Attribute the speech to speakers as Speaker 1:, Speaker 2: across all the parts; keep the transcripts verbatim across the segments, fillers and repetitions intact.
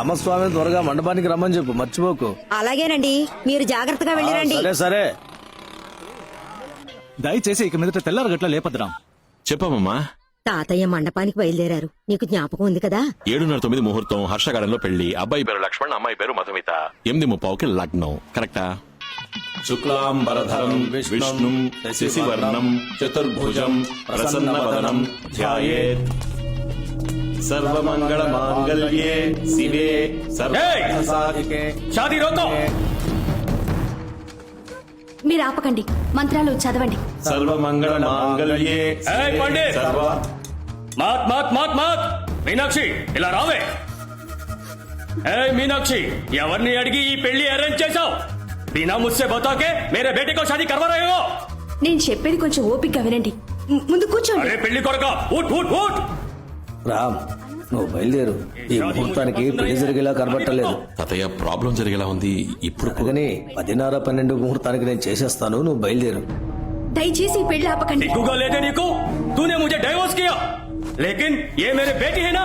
Speaker 1: రామస్వామి త్వరగా మండపానికి రమ్మని చెప్పు, మర్చిపోకు.
Speaker 2: అలాగేనండి, మీరు జాగ్రత్తగా వెళ్ళిరండి.
Speaker 1: సరే సరే.
Speaker 3: దయచేసి ఇక మీదట తెల్లారు గట్ల లేపద్రాం.
Speaker 4: చెప్పమ్మా.
Speaker 2: తాతయ్య మండపానికి బయలుదేరారు, నీకు జ్ఞాపకం ఉంది కదా?
Speaker 4: ఏడున్నర తొమ్మిది ముహూర్తం, హర్షగాడంలో పెళ్లి. అబ్బాయి పేరు లక్ష్మణ్, అమ్మాయి పేరు మధుమిత. ఎనిమిది ముప్పావుకి లగ్నం. కరెక్టా? శుక్లాంబరధరం విష్ణుం శశివర్ణం చతుర్భుజం ప్రసన్నవదనం ధ్యాయేత్ సర్వమంగళ మాంగళ్యే శివే సర్వసాధికే.
Speaker 1: షాదీ రోకో.
Speaker 5: మీరు ఆపకండి, మంత్రాలు చదవండి.
Speaker 4: సర్వమంగళ మాంగళ్యే సర్వ.
Speaker 1: మాత్ మాత్ మాత్ మాత్. మీనాక్షి ఇలా రావే. ఏ మీనాక్షి, ఎవరిని అడిగి ఈ పెళ్లి అరేంజ్ చేశావు? బినా ముస్సే బతాకే మేరే బేటే కో షాదీ కర్వా రహే హో.
Speaker 5: నేను చెప్పేది కొంచెం ఓపికగా వినండి. ము- ముందు కూర్చోండి.
Speaker 1: అరే పెళ్లి కొరక, ఊట్ ఊట్ ఊట్. రామ్, నువ్వు బయలుదేరు. ఈ ముహూర్తానికి పెళ్లి జరిగేలా కనబట్టలేదు.
Speaker 4: తాతయ్య, ప్రాబ్లం జరిగేలా ఉంది. ఇప్పుడు
Speaker 1: అందుకని పదిన్నర పన్నెండు ముహూర్తానికి నేను చేసేస్తాను, నువ్వు బయలుదేరు.
Speaker 5: దయచేసి ఈ పెళ్లి ఆపకండి.
Speaker 1: दिखूगा लेते नहीं को तूने मुझे डाइवोर्स किया, लेकिन ये मेरे बेटी है ना.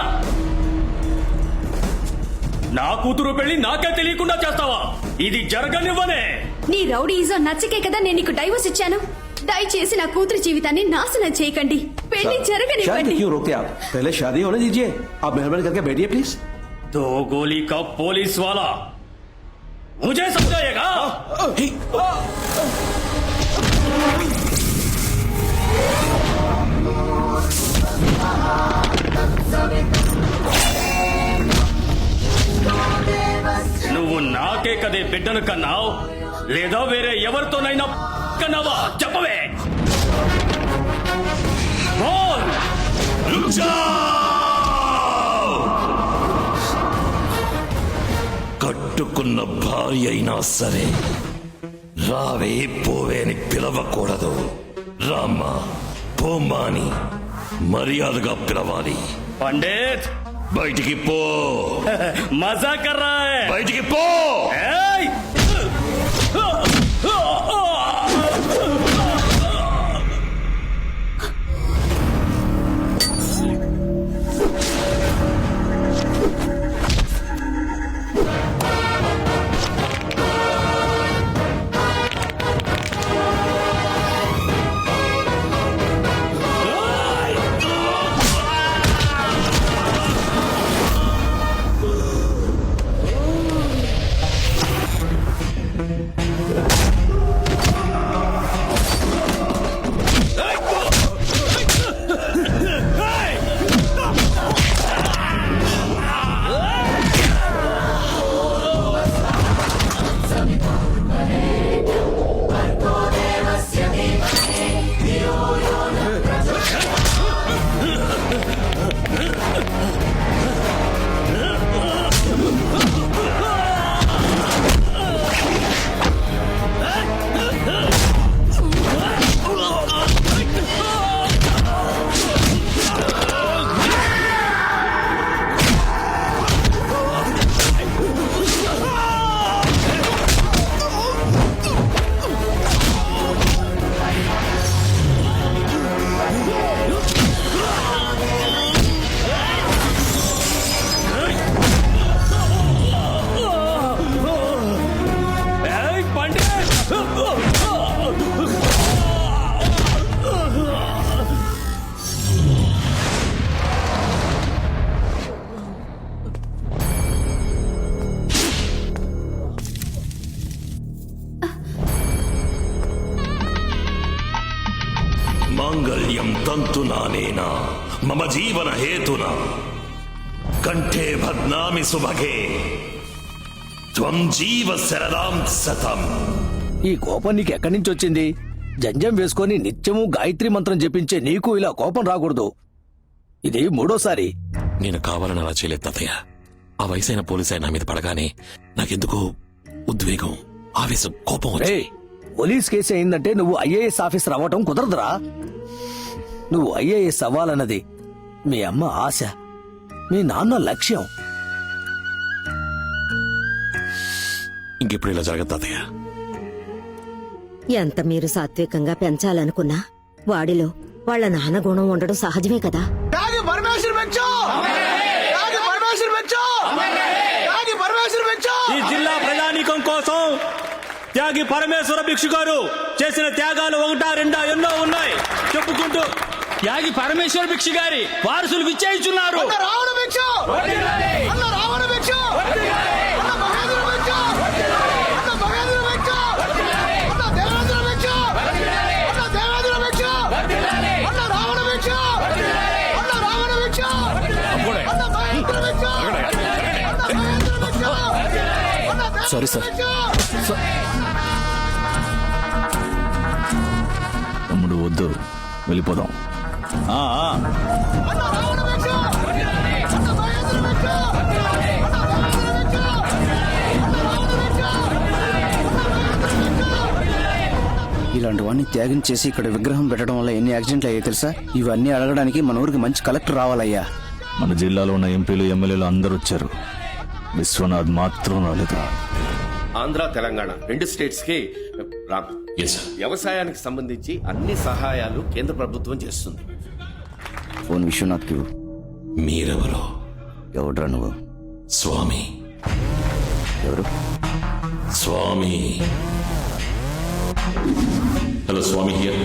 Speaker 1: నా కూతురు పెళ్లి నాకే తెలియకుండా చేస్తావా? ఇది జరగనివ్వనే.
Speaker 5: నీ రౌడీజం నచ్చకే కదా నేను నీకు డైవోర్స్ ఇచ్చాను. దయచేసి నా కూతురు జీవితాన్ని నాశనం చేయకండి. పెళ్లి
Speaker 6: शादी
Speaker 5: జరగనివ్వండి.
Speaker 6: क्यों रोकते आप? पहले शादी होने दीजिए. आप मेहरबानी करके बैठिए प्लीज.
Speaker 1: दो गोली का पुलिस वाला मुझे समझाएगा. నువ్వు నాకే కదే బిడ్డను కన్నావు, లేదా వేరే ఎవరితోనైనా కన్నావా? చెప్పవే. బోల్.
Speaker 7: కట్టుకున్న భార్య అయినా సరే రావే పోవే అని పిలవకూడదు. రామ్మా పోమ్మా అని మర్యాదగా పిలవాలి.
Speaker 1: పండిత్
Speaker 7: బయటికి పో.
Speaker 1: మజా కర్ రహా హై.
Speaker 7: బయటికి పో.
Speaker 1: ఏయ్!
Speaker 7: మాంగళ్యం తంతునానేనా మమ జీవన హేతునా కంఠే భద్నామి సుభగే త్వం జీవ శరదాం సతం.
Speaker 1: ఈ కోపం నీకు ఎక్కడి నుంచి వచ్చింది? జంజం వేసుకొని నిత్యము గాయత్రి మంత్రం జపించే నీకు ఇలా కోపం రాకూడదు. ఇది మూడోసారి.
Speaker 4: నేను కావాలని అలా చేయలేదు తాతయ్య. ఆ వయసైన పోలీసు నా మీద పడగానే నాకెందుకో ఉద్వేగం, ఆవేశం, కోపం వచ్చి.
Speaker 1: రేయ్, పోలీస్ కేసు అయిందంటే నువ్వు ఐఏఎస్ ఆఫీసర్ అవ్వటం కుదరదురా. నువ్వు ఐఏఎస్ అవ్వాలన్నది మీ అమ్మ ఆశ, మీ నాన్న లక్ష్యం.
Speaker 4: ఇంకెప్పుడు ఇలా జరగదు తాతయ్య.
Speaker 2: ఎంత మీరు సాత్వికంగా పెంచాలనుకున్నా వాడిలో వాళ్ళ నాన్న గుణం ఉండడం సహజమే కదా.
Speaker 6: పరమేశ్వర్ పెంచు. పరమేశ్వర్ పెంచు.
Speaker 3: త్యాగి పరమేశ్వర భిక్షు గారు చేసిన త్యాగాలు ఒకటా రెండా ఎన్నో ఉన్నాయి చెప్పుకుంటూ త్యాగి పరమేశ్వర భిక్షు గారి వారసులు విచ్చేయిస్తున్నారు.
Speaker 8: రావణ భిక్ష అన్న రావణ భిక్ష అన్న మహేంద్ర భిక్ష అన్న మహేంద్ర భిక్ష అన్న దేవేంద్ర భిక్ష అన్న దేవేంద్ర భిక్ష అన్న రావణ భిక్ష అన్న రావణ భిక్ష అన్న మహేంద్ర భిక్ష అన్న మహేంద్ర భిక్ష అన్న
Speaker 3: సారీ సార్. తమ్ముడు వద్దు, వెళ్ళిపోదాం. ఆ, ఆ.
Speaker 8: అన్న రావణ భిక్ష అన్న మహేంద్ర భిక్ష అన్న దేవేంద్ర భిక్ష అన్న రావణ భిక్ష
Speaker 9: ఇలాంటి వాడిని త్యాగం చేసి ఇక్కడ విగ్రహం పెట్టడం వల్ల ఎన్ని యాక్సిడెంట్లు అయ్యాయి తెలుసా? ఇవన్నీ అడగడానికి మన ఊరికి మంచి కలెక్టర్ రావాలయ్యా.
Speaker 3: మన జిల్లాలో ఉన్న ఎంపీలు ఎమ్మెల్యేలు అందరూ వచ్చారు, విశ్వనాథ్ మాత్రం రాలేదు.
Speaker 6: ఆంధ్ర తెలంగాణ రెండు స్టేట్స్ కి రామ్
Speaker 4: ఎస్ సార్.
Speaker 6: వ్యవసాయానికి సంబంధించి అన్ని సహాయాలు కేంద్ర ప్రభుత్వం చేస్తుంది.
Speaker 9: ఫోన్ విశ్వనాథ్కి ఇవ్వు.
Speaker 4: మీరెవరో?
Speaker 9: ఎవడ్రా నువ్వు?
Speaker 4: స్వామి.
Speaker 9: ఎవరు?
Speaker 4: స్వామి. Hello Swami here.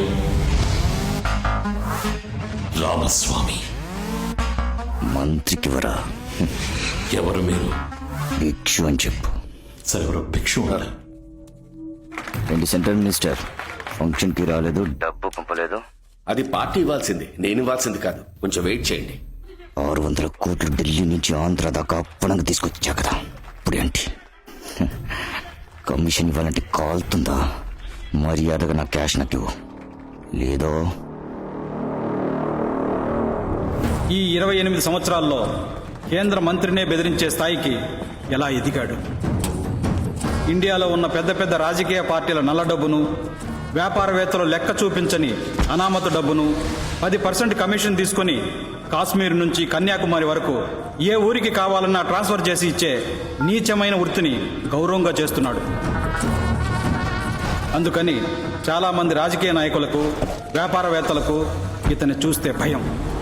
Speaker 4: రామస్వామి.
Speaker 9: మంత్రికి వరా
Speaker 4: ఎవరు మీరు?
Speaker 9: భిక్షు అని చెప్పు.
Speaker 4: సార్ ఎవరో భిక్షు ఉన్నారు.
Speaker 9: ఏంటి సెంట్రల్ మినిస్టర్ ఫంక్షన్ కి రాలేదు, డబ్బు పంపలేదు?
Speaker 6: అది పార్టీ ఇవ్వాల్సింది, నేను ఇవ్వాల్సింది కాదు. కొంచెం వెయిట్ చేయండి.
Speaker 9: ఆరు వందల కోట్లు ఢిల్లీ నుంచి ఆంధ్ర దాకా అప్పనంగా తీసుకొచ్చా కదా, ఇప్పుడు ఏంటి? కమిషన్ ఇవ్వాలంటే కాలుతుందా? మర్యాదగా నా క్యాష్ నాకు ఇవ్వు, లేదో
Speaker 10: ఈ ఇరవై ఎనిమిది సంవత్సరాల్లో కేంద్ర మంత్రినే బెదిరించే స్థాయికి ఎలా ఎదిగాడు? ఇండియాలో ఉన్న పెద్ద పెద్ద రాజకీయ పార్టీల నల్ల డబ్బును, వ్యాపారవేత్తలు లెక్క చూపించని అనామత డబ్బును పది పర్సెంట్ కమిషన్ తీసుకుని కాశ్మీర్ నుంచి కన్యాకుమారి వరకు ఏ ఊరికి కావాలన్నా ట్రాన్స్ఫర్ చేసి ఇచ్చే నీచమైన వృత్తిని గౌరవంగా చేస్తున్నాడు. అందుకని చాలా మంది రాజకీయ నాయకులకు, వ్యాపారవేత్తలకు ఇతన్ని చూస్తే భయం.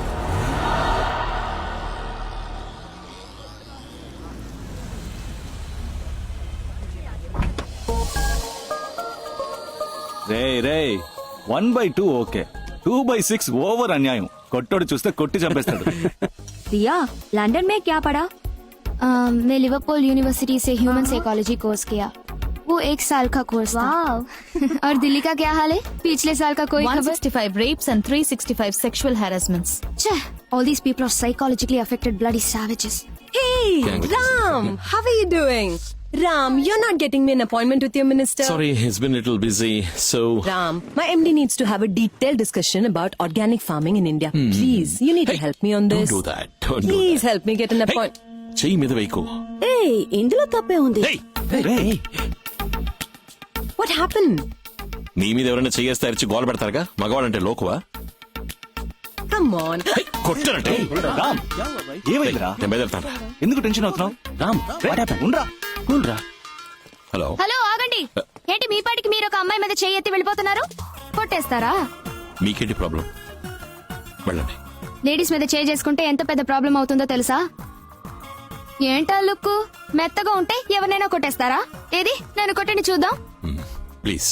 Speaker 3: రే రే one by two okay, two by six over అన్యాయం. కొట్టోడు చూస్తే కొట్టి చంపేస్తాడు.
Speaker 5: रिया लंदन में क्या पढ़ा?
Speaker 11: uh, मैं लिवरपूल यूनिवर्सिटी से ह्यूमन साइकोलॉजी कोर्स किया. वो एक साल का कोर्स था. और दिल्ली का क्या हाल है? पिछले साल का कोई
Speaker 5: one sixty-five rapes and three sixty-five sexual harassments.
Speaker 11: खबर? All these people are psychologically affected bloody savages.
Speaker 12: Hey, Ram, how are you doing? Ram, you're not getting me an appointment with your minister.
Speaker 4: Sorry, he's been a little busy, so...
Speaker 12: Ram, my M D needs to have a detailed discussion about organic farming in India. Hmm. Please, you need
Speaker 4: Hey,
Speaker 12: to help me on this.
Speaker 4: Don't do that. Don't
Speaker 12: Please
Speaker 4: do that.
Speaker 12: help me get an
Speaker 4: Hey,
Speaker 12: appointment.
Speaker 4: చెయ్యి మీద వేయకు.
Speaker 8: ఏయ్ ఇందులో తప్పే ఉంది.
Speaker 4: Hey,
Speaker 12: What happened?
Speaker 4: నీ మీద ఎవరైనా చెయ్యేస్తే అరిచి గోల పెడతారుగా, మగవాడంటే లోకువా?
Speaker 12: Come on.
Speaker 4: కొట్టారంటే
Speaker 3: రామ్, ఏమైందిరా?
Speaker 4: నేను బయలుదేరుతాను.
Speaker 3: ఎందుకు టెన్షన్ అవుతున్నావు? రామ్, ఉండ్రా కూల్రా.
Speaker 4: హలో
Speaker 11: హలో ఆగండి. ఏంటి మీ పాటికి మీరు ఒక అమ్మాయి మీద చెయ్యి ఎత్తి వెళ్ళిపోతున్నారు? కొట్టేస్తారా?
Speaker 4: మీకేంటి ప్రాబ్లం? వెళ్ళండి.
Speaker 11: లేడీస్ మీద చేయి చేసుకుంటే ఎంత పెద్ద ప్రాబ్లం అవుతుందో తెలుసా? ఏంటా లుక్? మెత్తగా ఉంటే ఎవరినైనా కొట్టేస్తారా? ఏది నేను కొట్టండి చూద్దాం.
Speaker 4: ప్లీజ్.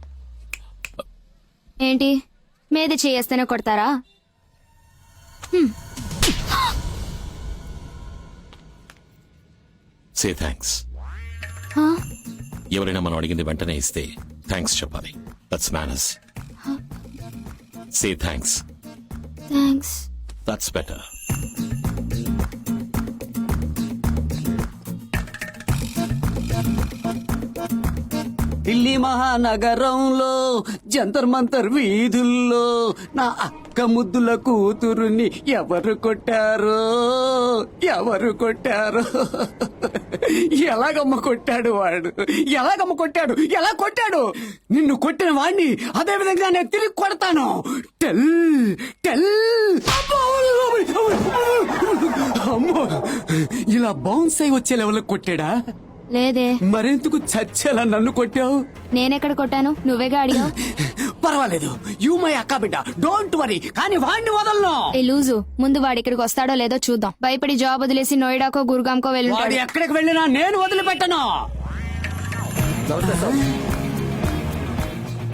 Speaker 11: ఏంటి మీద చేయేస్తేనే కొడతారా?
Speaker 4: Say thanks. ఎవరైనా మనం అడిగింది వెంటనే ఇస్తే థ్యాంక్స్ చెప్పాలి. That's manners. Say thanks.
Speaker 11: Thanks.
Speaker 4: That's better.
Speaker 8: Delhi మహానగరంలో జంతర్ మంతర్ వీధుల్లో నా అక్క ముద్దుల కూతురుని ఎవరు కొట్టారో ఎవరు కొట్టారో ఎలాగమ్మ కొట్టాడు వాడు, ఎలాగమ్మ కొట్టాడు, ఎలా కొట్టాడు? నిన్ను కొట్టిన వాడిని అదే విధంగా నేను తిరిగి కొడతాను. Tell tell. అమ్మో, ఇలా బౌన్స్ అయి వచ్చే లెవెల్ కొట్టాడా?
Speaker 11: లేదే.
Speaker 8: మరెందుకు చచ్చేలా నన్ను కొట్టావు?
Speaker 11: నేనెక్కడ కొట్టాను? నువ్వేగా అడిగావు.
Speaker 8: పర్వాలేదు, యూ మై అక్క బిడ్డ, డోంట్ వరీ. కానీ వాడిని వదలను.
Speaker 11: ఏ లూజు, ముందు వాడి ఇక్కడికి వస్తాడో లేదో చూద్దాం. భయపడి జాబ్ వదిలేసి నోయిడాకో గురుగాంకో వెళ్ళి
Speaker 8: వాడు ఎక్కడికి వెళ్ళినా నేను వదిలిపెట్టను.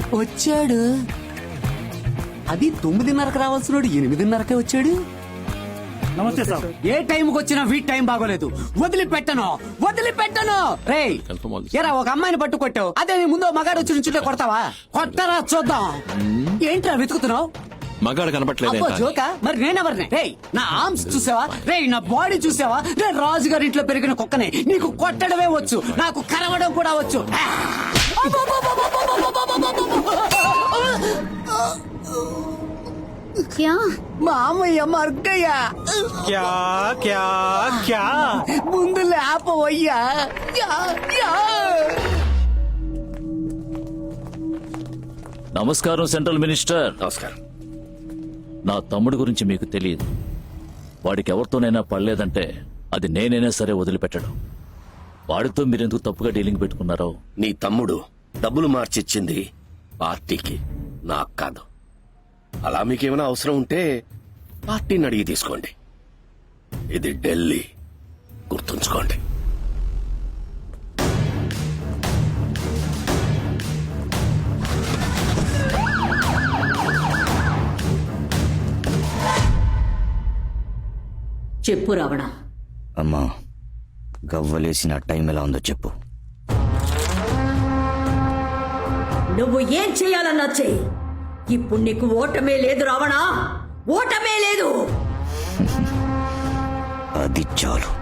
Speaker 8: వచ్చాడు. అది తొమ్మిదిన్నరకు రావాల్సినోడు ఎనిమిదిన్నరకే వచ్చాడు.
Speaker 3: నమస్తే సార్.
Speaker 8: ఏ టైంకి వచ్చినా వీటి టైం బాగోలేదు. వదిలిపెట్టను వదిలిపెట్టను. రే ఎరా ఒక అమ్మాయిని పట్టు కొట్టావు, అదే నీ ముందు మగాడు వచ్చి నుంచుంటే కొడతావా? కొట్టరా చూద్దాం. ఏంట్రా వెతుకుతున్నావు?
Speaker 4: మగాడు
Speaker 8: అబ్బో
Speaker 4: కనపట్లేదు
Speaker 8: జోకా? మరి నేనెవరిని? రే నా ఆర్మ్స్ చూసావా? రే నా బాడీ చూసావా? రే రాజుగారి ఇంట్లో పెరిగిన కుక్కనే. నీకు కొట్టడమే వచ్చు, నాకు కరవడం కూడా వచ్చు.
Speaker 5: క్యా
Speaker 8: మామయ్య మర్గయ్య
Speaker 3: క్యా క్యా క్యా
Speaker 8: ముందు లేపవయ్యా. Yeah, yeah.
Speaker 13: నమస్కారం సెంట్రల్ మినిస్టర్.
Speaker 7: నమస్కారం.
Speaker 13: నా తమ్ముడు గురించి మీకు తెలియదు. వాడికి ఎవరితోనైనా పడలేదంటే అది నేనైనా సరే వదిలిపెట్టడం. వాడితో మీరెందుకు తప్పుగా డీలింగ్ పెట్టుకున్నారో.
Speaker 7: నీ తమ్ముడు డబ్బులు మార్చిచ్చింది పార్టీకి, నాకు కాదు. అలా మీకేమైనా అవసరం ఉంటే పార్టీని అడిగి తీసుకోండి. ఇది ఢిల్లీ, గుర్తుంచుకోండి.
Speaker 2: చెప్పు రావణ.
Speaker 9: అమ్మా గవ్వలేసిన టైం ఎలా ఉందో చెప్పు.
Speaker 2: నువ్వు ఏం చేయాలన్నా చెయ్యి. ఇప్పుడు నీకు ఓటమే లేదు రావణ, ఓటమే లేదు.
Speaker 9: అది చాలు.